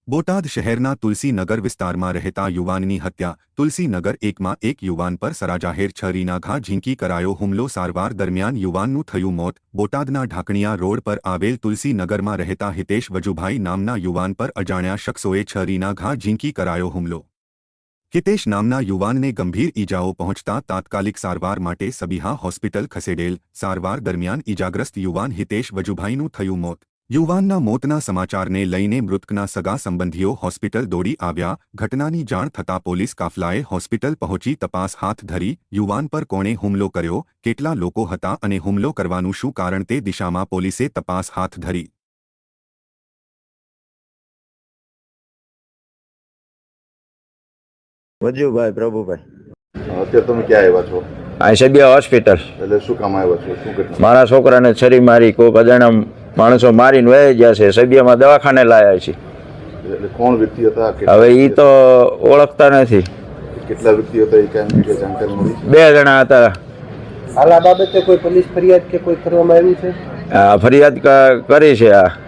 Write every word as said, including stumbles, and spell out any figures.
બોટાદ શહેરના તુલસીનગર વિસ્તારમાં રહેતા યુવાનની હત્યા। તુલસીનગર એકમાં એક યુવાન પર સરાજાહેર છરીના ઘા ઝીંકી કરાયો હુમલો। સારવાર દરમિયાન યુવાનનું થયું મોત। બોટાદના ઢાકણિયા રોડ પર આવેલ તુલસીનગરમાં રહેતા હિતેશ વજુભાઈ નામના યુવાન પર અજાણ્યા શખ્સોએ છરીના ઘા ઝીંકી કરાયો હુમલો। હિતેશ નામના યુવાનને ગંભીર ઈજાઓ પહોંચતા તાત્કાલિક સારવાર માટે સબીહા હોસ્પિટલ ખસેડેલ। સારવાર દરમિયાન ઈજાગ્રસ્ત યુવાન હિતેશ વજુભાઈનું થયું મોત। યુવાનના મોતના સમાચારને લઈને મૃતકના સગા સંબંધીઓ હોસ્પિટલ દોડી આવ્યા। ઘટનાની જાણ થતાં પોલીસ કાફલાએ હોસ્પિટલ પહોંચી તપાસ હાથ ધરી। યુવાન પર કોણે હુમલો કર્યો, કેટલા લોકો હતા અને હુમલો કરવાનું શું કારણ તે દિશામાં પોલીસે તપાસ હાથ ધરી। વજુભાઈ પ્રભુભાઈ। અત્યારે તમે ક્યાં આવ્યા છો? આ સબિયા હોસ્પિટલ। એટલે શું કામ આવ્યા છો? શું ઘટના? મારા છોકરાને છરી મારી કોઈક અજાણ્યા માણસો મારીને વહી ગયા છે। સબિયામાં દવાખાને લાયા છે। એટલે કોણ વ્યક્તિ હતા? હવે એ તો ઓળખતા નથી। કેટલા વ્યક્તિ હતા એ કાંઈ વિશે જાણકારી મળી? બે જણા હતા। હાલ આ બાબતે કોઈ પોલીસ ફરિયાદ કે કોઈ કરવામાં આવી છે? આ ફરિયાદ ક- કરી છે। આ